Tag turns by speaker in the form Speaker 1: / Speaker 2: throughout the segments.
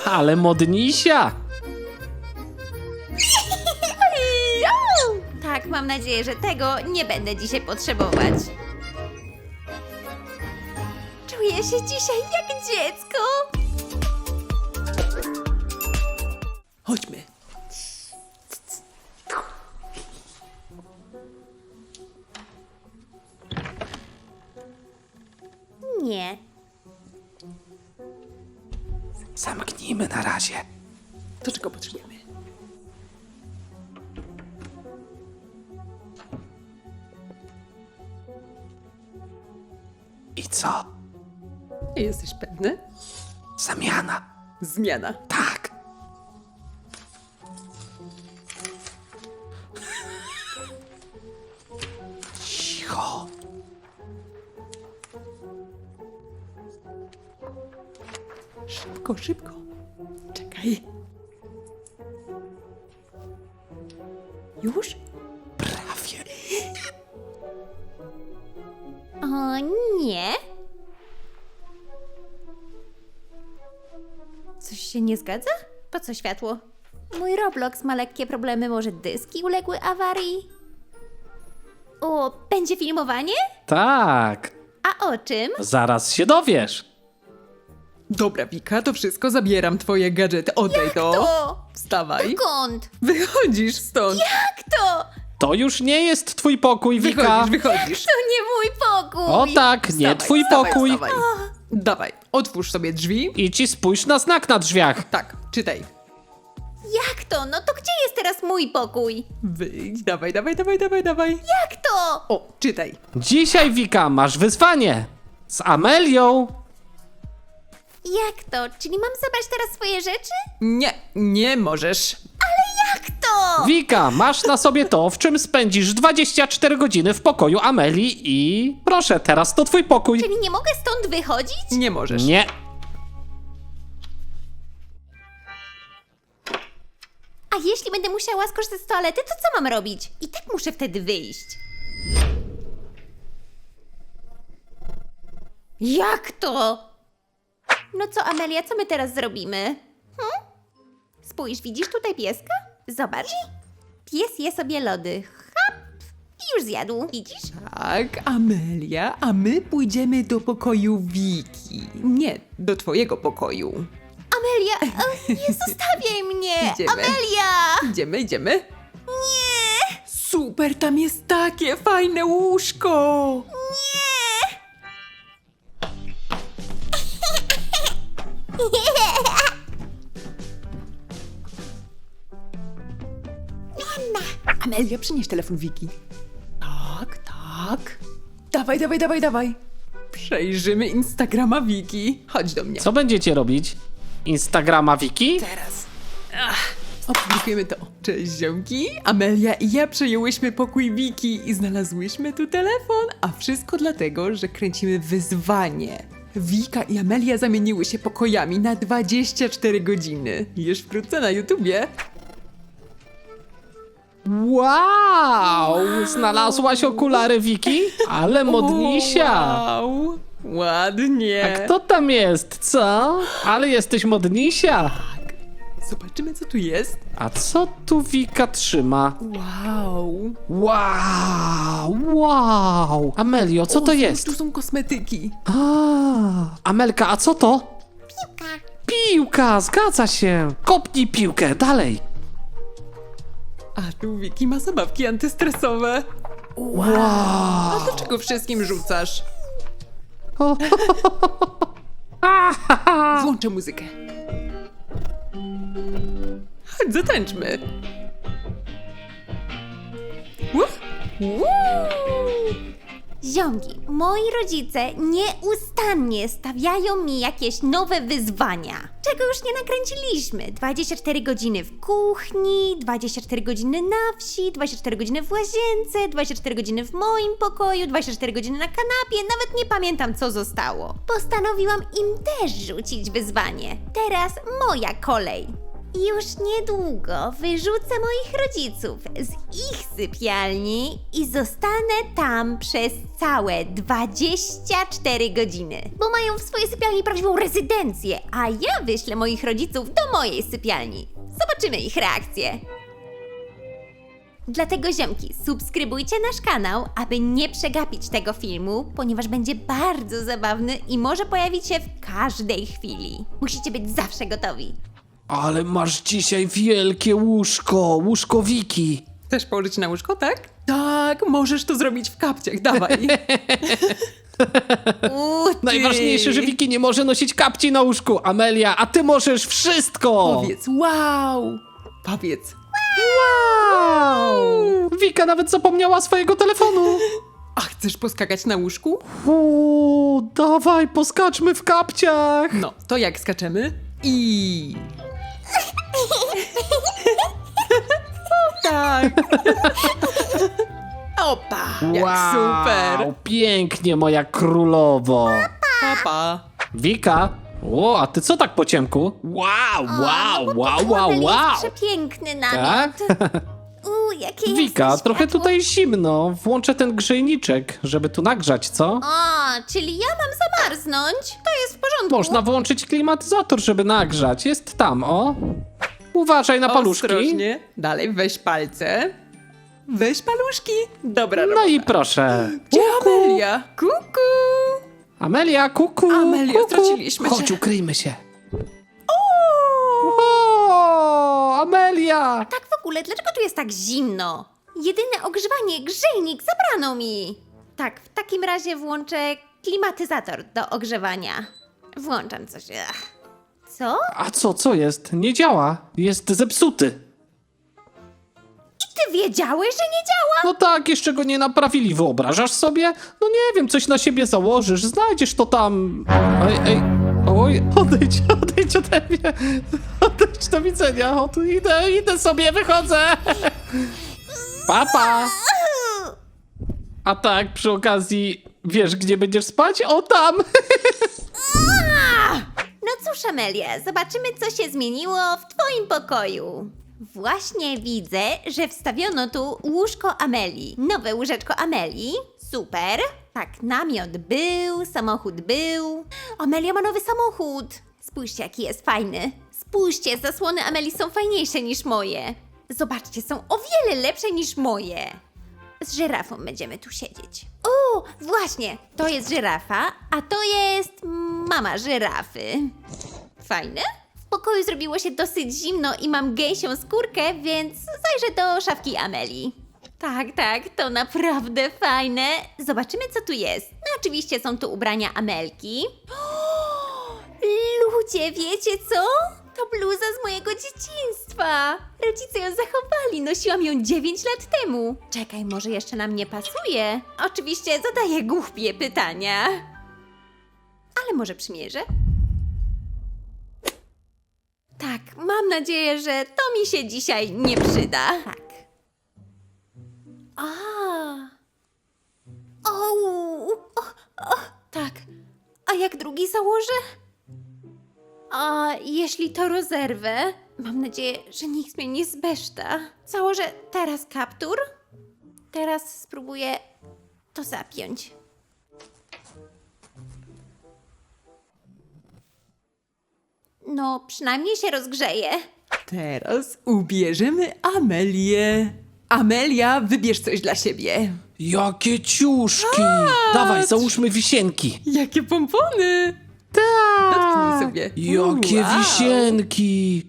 Speaker 1: Ale modnisia.
Speaker 2: Tak, mam nadzieję, że tego nie będę dzisiaj potrzebować. Czuję się dzisiaj jak dziecko.
Speaker 3: Chodźmy.
Speaker 2: Nie.
Speaker 1: Zamknijmy na razie.
Speaker 3: To czego potrzebujemy?
Speaker 1: I co?
Speaker 3: Jesteś pewny?
Speaker 1: Zamiana.
Speaker 3: Zmiana.
Speaker 1: Tak. Cicho.
Speaker 3: Szybko, szybko. Czekaj. Już?
Speaker 1: Prawie.
Speaker 2: O nie. Coś się nie zgadza? Po co światło? Mój Roblox ma lekkie problemy, może dyski uległy awarii? O, będzie filmowanie?
Speaker 1: Tak.
Speaker 2: A o czym?
Speaker 1: Zaraz się dowiesz.
Speaker 3: Dobra, Wika, to wszystko. Zabieram twoje gadżety. Oddaj to.
Speaker 2: To!
Speaker 3: Wstawaj.
Speaker 2: Dokąd?
Speaker 3: Wychodzisz stąd.
Speaker 2: Jak to?
Speaker 1: To już nie jest twój pokój, Wika.
Speaker 3: Wychodzisz.
Speaker 2: To nie mój pokój!
Speaker 1: O tak, nie twój pokój.
Speaker 3: Wstawaj. Dawaj, otwórz sobie drzwi.
Speaker 1: Idź i spójrz na znak na drzwiach.
Speaker 3: Tak, czytaj.
Speaker 2: Jak to? No to gdzie jest teraz mój pokój?
Speaker 3: Wyjdź, dawaj, dawaj, dawaj, dawaj, dawaj.
Speaker 2: Jak to?
Speaker 3: O, czytaj.
Speaker 1: Dzisiaj, Wika, masz wyzwanie. Z Amelią.
Speaker 2: Jak to? Czyli mam zabrać teraz swoje rzeczy?
Speaker 3: Nie, nie możesz.
Speaker 2: Jak to?
Speaker 1: Wika, masz na sobie to, w czym spędzisz 24 godziny w pokoju Amelii i... Proszę, teraz to twój pokój.
Speaker 2: Czyli nie mogę stąd wychodzić?
Speaker 3: Nie możesz.
Speaker 1: Nie.
Speaker 2: A jeśli będę musiała skorzystać z toalety, to co mam robić? I tak muszę wtedy wyjść. Jak to? No co, Amelia, co my teraz zrobimy? Spójrz, widzisz tutaj pieska? Zobacz. Pies je sobie lody. Hop! I już zjadł. Widzisz?
Speaker 3: Tak, Amelia, a my pójdziemy do pokoju Wiki. Nie, do twojego pokoju.
Speaker 2: Amelia, nie zostawiaj mnie!
Speaker 3: Idziemy.
Speaker 2: Amelia!
Speaker 3: Idziemy, idziemy?
Speaker 2: Nie!
Speaker 3: Super, tam jest takie fajne łóżko.
Speaker 2: Nie!
Speaker 3: Amelia, przynieś telefon Wiki. Tak, tak. Dawaj, dawaj, dawaj, dawaj. Przejrzymy Instagrama Wiki. Chodź do mnie.
Speaker 1: Co będziecie robić? Instagrama Wiki?
Speaker 3: Teraz. Opublikujemy to. Cześć ziomki, Amelia i ja przejęłyśmy pokój Wiki i znalazłyśmy tu telefon, a wszystko dlatego, że kręcimy wyzwanie. Wika i Amelia zamieniły się pokojami na 24 godziny. Już wkrótce na YouTubie.
Speaker 1: Wow! Znalazłaś okulary Wiki? Ale modnisia!
Speaker 3: Wow, ładnie.
Speaker 1: Kto tam jest, co? Ale jesteś modnisia!
Speaker 3: Zobaczymy co tu jest.
Speaker 1: A co tu Wika trzyma?
Speaker 3: Wow.
Speaker 1: Wow! Amelio, co to
Speaker 3: O,
Speaker 1: jest?
Speaker 3: Tu są kosmetyki.
Speaker 1: Amelka, a co to? Piłka. Piłka, zgadza się. Kopnij piłkę, dalej.
Speaker 3: A tu Wiki ma zabawki antystresowe.
Speaker 1: Wow!
Speaker 3: A dlaczego wszystkim rzucasz? Włączę muzykę. Chodź, zatańczmy.
Speaker 2: Ziomki, moi rodzice nieustannie stawiają mi jakieś nowe wyzwania, czego już nie nakręciliśmy. 24 godziny w kuchni, 24 godziny na wsi, 24 godziny w łazience, 24 godziny w moim pokoju, 24 godziny na kanapie, nawet nie pamiętam co zostało. Postanowiłam im też rzucić wyzwanie. Teraz moja kolej. Już niedługo wyrzucę moich rodziców z ich sypialni i zostanę tam przez całe 24 godziny. Bo mają w swojej sypialni prawdziwą rezydencję, a ja wyślę moich rodziców do mojej sypialni. Zobaczymy ich reakcję. Dlatego ziomki, subskrybujcie nasz kanał, aby nie przegapić tego filmu, ponieważ będzie bardzo zabawny i może pojawić się w każdej chwili. Musicie być zawsze gotowi.
Speaker 1: Ale masz dzisiaj wielkie łóżko Wiki.
Speaker 3: Chcesz położyć na łóżko, tak? Tak, możesz to zrobić w kapciach, dawaj.
Speaker 1: Najważniejsze, że Wiki nie może nosić kapci na łóżku. Amelia, a ty możesz wszystko!
Speaker 3: Powiedz wow! Powiedz.
Speaker 1: Wow! Wika nawet zapomniała swojego telefonu.
Speaker 3: A chcesz poskakać na łóżku?
Speaker 1: Dawaj, poskaczmy w kapciach.
Speaker 3: No, to jak skaczemy? I... tak. Opa, jak super.
Speaker 1: Pięknie, moja królowo.
Speaker 3: Papa.
Speaker 1: Wika, a ty co tak po ciemku? Wow.
Speaker 2: Jest przepiękny namiot.
Speaker 1: Tak?
Speaker 2: Jakie
Speaker 1: Wika,
Speaker 2: jasne
Speaker 1: trochę
Speaker 2: światło.
Speaker 1: tutaj zimno. Włączę ten grzejniczek, żeby tu nagrzać, co?
Speaker 2: O, czyli ja mam zamarznąć? To jest w porządku.
Speaker 1: Można włączyć klimatyzator, żeby nagrzać. Jest tam, o. Uważaj na paluszki.
Speaker 3: Ostrożnie. Dalej, weź palce. Weź paluszki. Dobra
Speaker 1: No
Speaker 3: robota.
Speaker 1: i proszę.
Speaker 3: Gdzie Amelia? Kuku.
Speaker 1: Amelia, kuku.
Speaker 3: Amelia,
Speaker 1: kuku.
Speaker 3: straciliśmy
Speaker 1: Chodź,
Speaker 3: cię.
Speaker 1: ukryjmy się. O, Amelia!
Speaker 2: Tak w ogóle, dlaczego tu jest tak zimno? Jedyne ogrzewanie, grzejnik, zabrano mi. Tak, w takim razie włączę klimatyzator do ogrzewania. Włączam coś. Co?
Speaker 1: A co jest? Nie działa. Jest zepsuty.
Speaker 2: Ty wiedziałeś, że nie działa?
Speaker 1: No tak, jeszcze go nie naprawili. Wyobrażasz sobie? No nie wiem, coś na siebie założysz. Znajdziesz to tam. Ej. Oj, odejdź ode mnie. Odejdź, do widzenia. O, tu idę sobie, wychodzę. Papa. A tak, przy okazji, wiesz, gdzie będziesz spać? O, tam.
Speaker 2: No cóż, Amelia, zobaczymy, co się zmieniło w twoim pokoju. Właśnie widzę, że wstawiono tu łóżko Amelii. Nowe łóżeczko Amelii. Super. Tak, namiot był, samochód był. Amelia ma nowy samochód. Spójrzcie, jaki jest fajny. Spójrzcie, zasłony Amelii są fajniejsze niż moje. Zobaczcie, są o wiele lepsze niż moje. Z żyrafą będziemy tu siedzieć. O, właśnie, to jest żyrafa, a to jest mama żyrafy. Fajne? W pokoju zrobiło się dosyć zimno i mam gęsią skórkę, więc zajrzę do szafki Amelii. Tak, to naprawdę fajne. Zobaczymy, co tu jest. No oczywiście są tu ubrania Amelki. Ludzie, wiecie co? To bluza z mojego dzieciństwa. Rodzice ją zachowali, nosiłam ją 9 lat temu. Czekaj, może jeszcze nam nie pasuje? Oczywiście zadaję głupie pytania. Ale może przymierzę? Tak, mam nadzieję, że to mi się dzisiaj nie przyda. Tak. Tak. A jak drugi założę? A jeśli to rozerwę? Mam nadzieję, że nikt mnie nie zbeszta. Założę teraz kaptur. Teraz spróbuję to zapiąć. No, przynajmniej się rozgrzeje.
Speaker 3: Teraz ubierzemy Amelię. Amelia, wybierz coś dla siebie.
Speaker 1: Jakie ciuszki. Dawaj, załóżmy wisienki.
Speaker 3: Jakie pompony.
Speaker 1: Tak.
Speaker 3: Dotknij sobie.
Speaker 1: Jakie
Speaker 3: Wow.
Speaker 1: wisienki.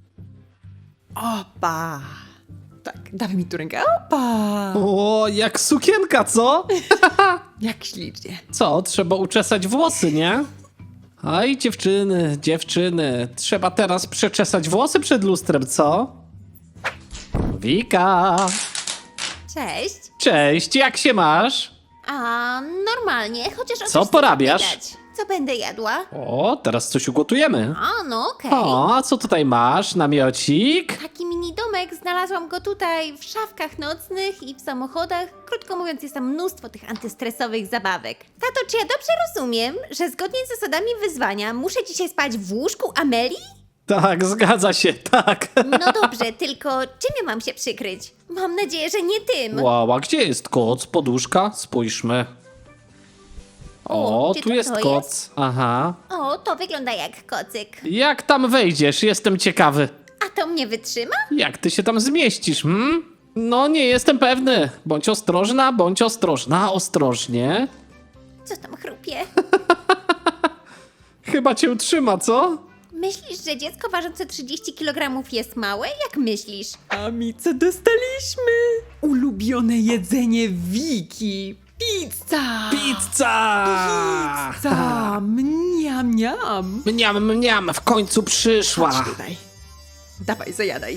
Speaker 3: Opa. Tak, dawaj mi tu rękę. Opa.
Speaker 1: O, jak sukienka, co?
Speaker 3: Jak ślicznie.
Speaker 1: Co, trzeba uczesać włosy, nie? Aj, dziewczyny, trzeba teraz przeczesać włosy przed lustrem, co? Wika!
Speaker 2: Cześć.
Speaker 1: Cześć, jak się masz?
Speaker 2: A normalnie, chociaż o
Speaker 1: Co
Speaker 2: coś
Speaker 1: porabiasz?
Speaker 2: widać. Co będę jadła?
Speaker 1: O, teraz coś ugotujemy.
Speaker 2: A, no okej.
Speaker 1: O, a co tutaj masz? Namiocik?
Speaker 2: Taki mini domek, znalazłam go tutaj w szafkach nocnych i w samochodach. Krótko mówiąc, jest tam mnóstwo tych antystresowych zabawek. Tato, czy ja dobrze rozumiem, że zgodnie z zasadami wyzwania muszę dzisiaj spać w łóżku Amelii?
Speaker 1: Tak, zgadza się, tak.
Speaker 2: No dobrze, tylko czym ja mam się przykryć? Mam nadzieję, że nie tym.
Speaker 1: Wow, a gdzie jest koc? Poduszka? Spójrzmy. O,
Speaker 2: czy
Speaker 1: tu
Speaker 2: to
Speaker 1: jest
Speaker 2: to
Speaker 1: koc.
Speaker 2: jest?
Speaker 1: Aha.
Speaker 2: O, to wygląda jak kocyk.
Speaker 1: Jak tam wejdziesz? Jestem ciekawy.
Speaker 2: A to mnie wytrzyma?
Speaker 1: Jak ty się tam zmieścisz, No, nie jestem pewny. Bądź ostrożna, ostrożnie.
Speaker 2: Co tam chrupie?
Speaker 1: Chyba cię utrzyma, co?
Speaker 2: Myślisz, że dziecko ważące 30 kg jest małe? Jak myślisz?
Speaker 3: A mi co dostaliśmy? Ulubione jedzenie Wiki. Pizza!
Speaker 1: Pizza!
Speaker 3: Pizza! Mniam, mniam.
Speaker 1: Mniam, mniam, w końcu przyszła.
Speaker 3: Chodź tutaj. Dawaj, zajadaj.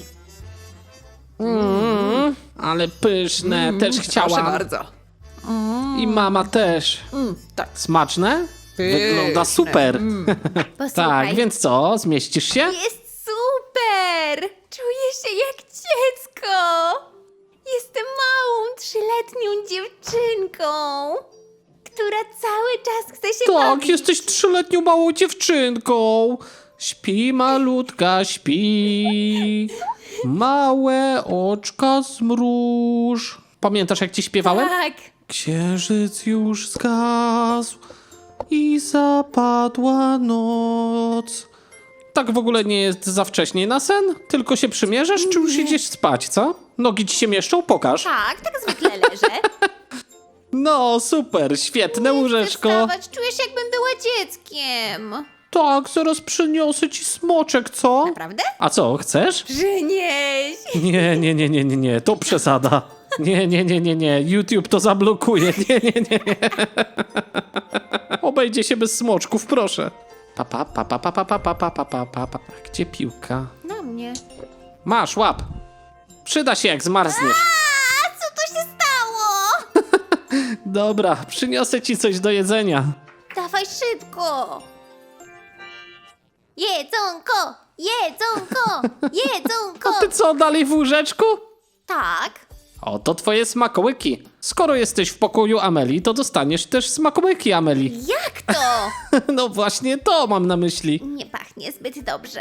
Speaker 1: Ale pyszne, też
Speaker 3: Proszę
Speaker 1: chciałam.
Speaker 3: bardzo.
Speaker 1: I mama też.
Speaker 3: Tak.
Speaker 1: Smaczne? Wygląda
Speaker 3: Pyszne.
Speaker 1: super.
Speaker 2: Posłuchaj.
Speaker 1: Tak, więc co, zmieścisz się?
Speaker 2: Jest super! Czuję się jak dziecko! Jestem małą, 3-letnią dziewczynką, która cały czas chce się
Speaker 1: Tak,
Speaker 2: bawić.
Speaker 1: jesteś 3-letnią małą dziewczynką. Śpi malutka, śpi. Małe oczka zmruż. Pamiętasz, jak ci śpiewałem?
Speaker 2: Tak.
Speaker 1: Księżyc już zgasł i zapadła noc. Tak w ogóle nie jest za wcześnie na sen? Tylko się przymierzasz, czy już idziesz spać, co? Nogi ci się mieszczą? Pokaż.
Speaker 2: Tak zwykle leżę.
Speaker 1: No, super, świetne łóżeczko.
Speaker 2: Wstawać, czuję się jakbym była dzieckiem.
Speaker 1: Tak, zaraz przyniosę ci smoczek, co?
Speaker 2: Naprawdę?
Speaker 1: A co, chcesz?
Speaker 2: Przynieś!
Speaker 1: Nie, to przesada. Nie, YouTube to zablokuje. Nie. Obejdzie się bez smoczków, proszę. Pa. Gdzie piłka?
Speaker 2: Na mnie.
Speaker 1: Masz, łap. Przyda się, jak zmarzniesz.
Speaker 2: A co to się stało?
Speaker 1: Dobra, przyniosę ci coś do jedzenia.
Speaker 2: Dawaj szybko! Jedzonko! Jedzonko!
Speaker 1: Ty co, dalej w łóżeczku?
Speaker 2: Tak.
Speaker 1: Oto twoje smakołyki. Skoro jesteś w pokoju Ameli, to dostaniesz też smakołyki Ameli.
Speaker 2: Jak to?
Speaker 1: No właśnie to mam na myśli.
Speaker 2: Nie pachnie zbyt dobrze.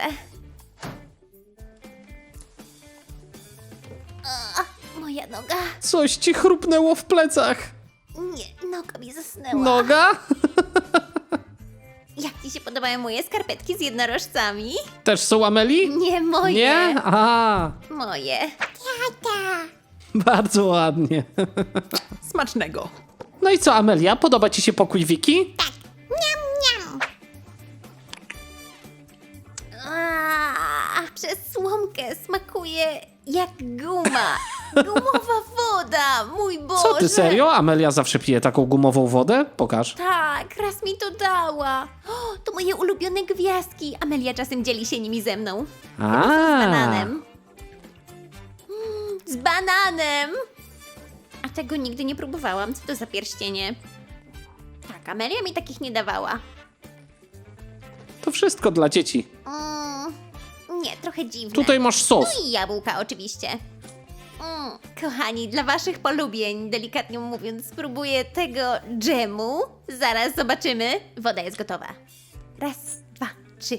Speaker 2: Moja noga.
Speaker 1: Coś ci chrupnęło w plecach.
Speaker 2: Nie, noga mi zasnęła.
Speaker 1: Noga?
Speaker 2: Jak ci się podobają moje skarpetki z jednorożcami?
Speaker 1: Też są Ameli?
Speaker 2: Nie moje.
Speaker 1: Nie? A,
Speaker 2: Moje. Tata.
Speaker 1: bardzo ładnie.
Speaker 3: Smacznego.
Speaker 1: No i co, Amelia? Podoba ci się pokój Wiki?
Speaker 2: Niam. Przez słomkę smakuje jak guma. Gumowa woda, mój Boże.
Speaker 1: Co ty, serio? Amelia zawsze pije taką gumową wodę? Pokaż.
Speaker 2: Tak, raz mi to dała. O, to moje ulubione gwiazdki. Amelia czasem dzieli się nimi ze mną. Z bananem. Z bananem! A tego nigdy nie próbowałam. Co to za pierścienie? Tak, Amelia mi takich nie dawała.
Speaker 1: To wszystko dla dzieci.
Speaker 2: Nie, trochę dziwne.
Speaker 1: Tutaj masz sos.
Speaker 2: No i jabłka oczywiście. Kochani, dla waszych polubień, delikatnie mówiąc, spróbuję tego dżemu. Zaraz zobaczymy. Woda jest gotowa. Raz, dwa, trzy.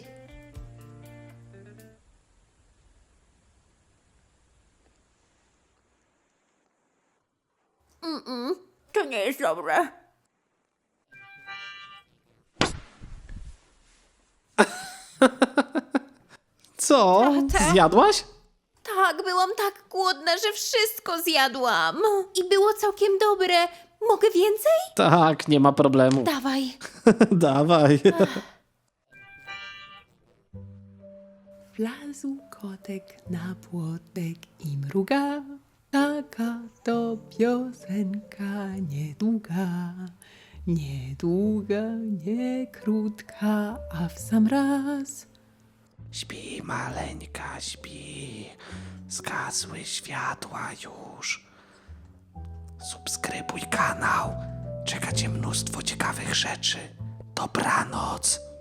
Speaker 2: To nie jest dobre.
Speaker 1: Co?
Speaker 2: Tata?
Speaker 1: Zjadłaś?
Speaker 2: Tak, byłam tak głodna, że wszystko zjadłam. I było całkiem dobre. Mogę więcej?
Speaker 1: Tak, nie ma problemu.
Speaker 2: Dawaj.
Speaker 1: Dawaj.
Speaker 3: Wlazł kotek na płotek i mruga. Taka to piosenka niedługa. Niedługa, nie krótka, a w sam raz.
Speaker 1: Śpi, maleńka, śpi. Zgasły światła już. Subskrybuj kanał. Czeka cię mnóstwo ciekawych rzeczy. Dobranoc.